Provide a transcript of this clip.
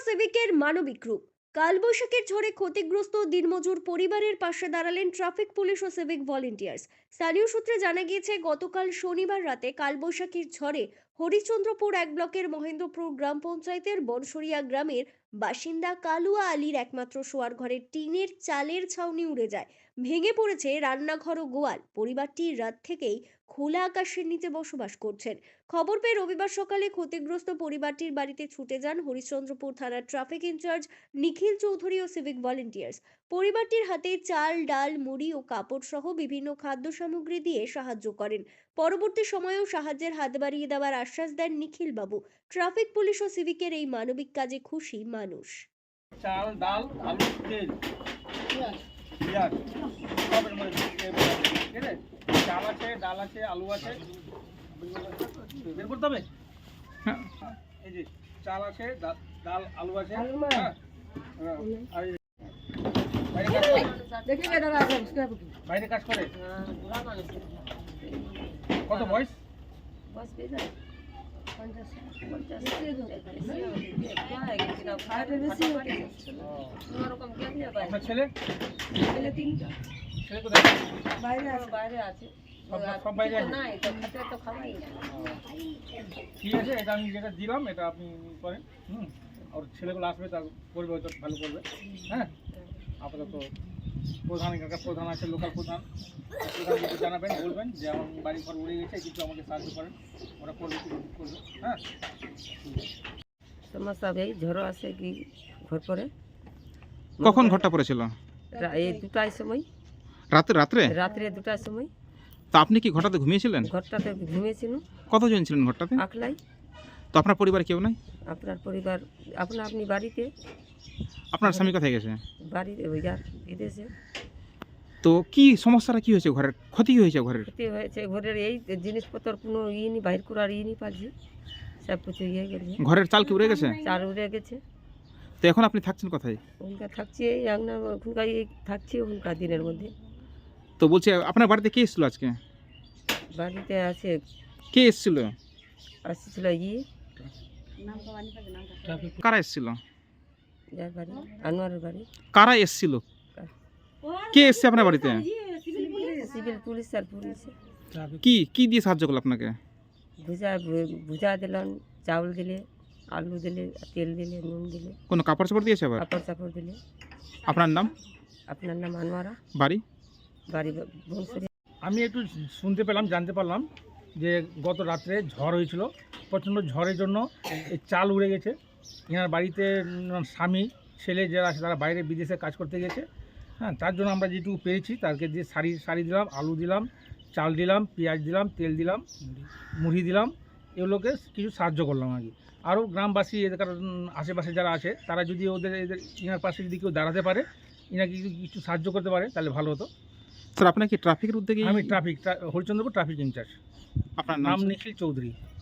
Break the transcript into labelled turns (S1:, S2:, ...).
S1: সিভিকের মানবিক রূপ। কালবৈশাখীর ঝড়ে ক্ষতিগ্রস্ত দিনমজুর পরিবারের পাশে দাঁড়ালেন ট্রাফিক পুলিশ ও সিভিক ভলেন্টিয়ার্স। স্থানীয় সূত্রে জানা গিয়েছে, গতকাল শনিবার রাতে কালবৈশাখীর ঝড়ে হরিশ্চন্দ্রপুর এক ব্লকের মহেন্দ্রপুর গ্রাম পঞ্চায়েতের বনসরিয়া গ্রামের বাসিন্দা কালুয়া আলীর একমাত্র শোয়ার ঘরের টিনের চালের ছাউনি উড়ে যায়। ভেঙে পড়েছে রান্নাঘর ও গোয়াল। পরিবারটি রাত থেকেই খোলা আকাশের নিচে বসবাস করছেন। খবর পেয়ে রবিবার সকালে ক্ষতিগ্রস্ত পরিবারটির বাড়িতে ছুটে যান হরিশ্চন্দ্রপুর থানার ট্রাফিক ইনচার্জ নিখিল চৌধুরী ও সিভিক ভলেন্টিয়ার্স। পরিবারটির হাতে চাল, ডাল, মুড়ি ও কাপড় সহ বিভিন্ন খাদ্য সামগ্রী দিয়ে সাহায্য করেন। পরবর্তী সময়েও সাহায্যের হাত বাড়িয়ে দেওয়ার আশ্বাস দেন নিখিল বাবু। ট্রাফিক পুলিশ ও সিভিকের এই মানবিক কাজে খুশি মানুষ।
S2: চাল, ডাল, আলু, তেল, পেঁয়াজ সবের মধ্যে ঠিক আছে। চাল আছে, ডাল আছে, আলু আছে, বের করতে হবে। এই যে চাল আছে, ডাল, আলু আছে। হ্যাঁ, আর এই বাইরে কাজ করে। কত বয়স? আপনার ছেলে? ছেলে কোথায়?
S3: বাইরে আছে।
S2: সব বাইরে আছে। ঠিক আছে, এটা আমি যেটা দিলাম এটা আপনি করেন। আর ছেলেগুলো আসবে, তার করবে, হয়তো ভালো করবে। হ্যাঁ, আপাতত প্রধান এখানকার প্রধান আছে, লোকাল প্রধান যদি জানাবেন, বলবেন যে আমার বাড়ি ঘর উড়ে গেছে, কিছু আমাকে সাহায্য করেন, ওরা করবে, করবে। হ্যাঁ,
S3: সমস্যা ভাই ঝড় আসে কি ঘর পরে।
S4: কখন ঘরটা পড়েছিল?
S3: এই 2টার সময়,
S4: রাতে রাত্রে
S3: রাত্রে 2টার সময়।
S4: তো আপনি কি ঘরটাতে ঘুমিয়েছিলেন?
S3: ঘরটাতে ঘুমিয়েছিল।
S4: কতজন ছিলেন ঘরটাতে?
S3: আকলাই।
S4: তো আপনার পরিবার কেউ নাই?
S3: আপনার পরিবার আপনি বাড়িতে।
S4: আপনার স্বামী কোথায় গেছে?
S3: বাড়িতে ওই যার বিদেশে।
S4: তো কি সমস্যাটা কি হয়েছে? ঘরের ক্ষতি কি হয়েছে? ঘরের
S3: ক্ষতি হয়েছে ঘরের এই জিনিসপত্র কোনো নি বাইর করার নি পারছি, সব কিছু ইয়ে গেছে।
S4: ঘরের চাল কি উড়ে গেছে?
S3: চাল উড়ে গেছে।
S4: তো এখন আপনি থাকছেন কোথায়?
S3: ওখানকার থাকছি এই ওখানকার থাকছি ওখানকার দিনের মধ্যে।
S4: তো বলছি, আপনার বাড়িতে কে এসেছিল আজকে?
S3: বাড়িতে আছে
S4: কে এসেছিল?
S3: আসছিল
S4: কারা এসেছিল?
S3: যার বাড়ি আনোয়ারের বাড়ি।
S4: কারা এসেছিল? কে এসছে আপনার বাড়িতে?
S3: সিভিল পুলিশ আর পুলিশ।
S4: কি কি দিয়ে সাহায্য করলো আপনাকে?
S3: ভুজা দিলেন, চাউল দিলে, আলু দিলে, তেল দিলে, নুন দিলে।
S4: কোনো কাপড় চাপড় দিয়েছে? আবার
S3: কাপড় চাপড় দিলে।
S4: আপনার নাম?
S3: আপনার নাম আনোয়ারা।
S4: বাড়ি?
S3: বাড়ি বংশী।
S2: আমি একটু শুনতে পেলাম, জানতে পারলাম যে গত রাত্রে ঝড় হয়েছিল। প্রচণ্ড ঝড়ের জন্য এই চাল উড়ে গেছে। এনার বাড়িতে স্বামী, ছেলে যারা আছে তারা বাইরে বিদেশে কাজ করতে গেছে। হ্যাঁ, তার জন্য আমরা যেটুকু পেরেছি তাদেরকে দিয়ে শাড়ি দিলাম, আলু দিলাম, চাল দিলাম, পেঁয়াজ দিলাম, তেল দিলাম, মুড়ি দিলাম, এগুলোকে কিছু সাহায্য করলাম আর কি। আরও গ্রামবাসী এদের আশেপাশে যারা আছে তারা যদি এদের ইনার পাশে যদি কেউ দাঁড়াতে পারে, ইনাকে কিছু সাহায্য করতে পারে তাহলে ভালো হতো।
S4: স্যার, আপনার কি ট্রাফিকের উদ্যোগে?
S2: আমি হরিচন্দ্রপুর ট্রাফিক ইনচার্জ।
S4: আপনার
S2: নাম নিখিল চৌধুরী।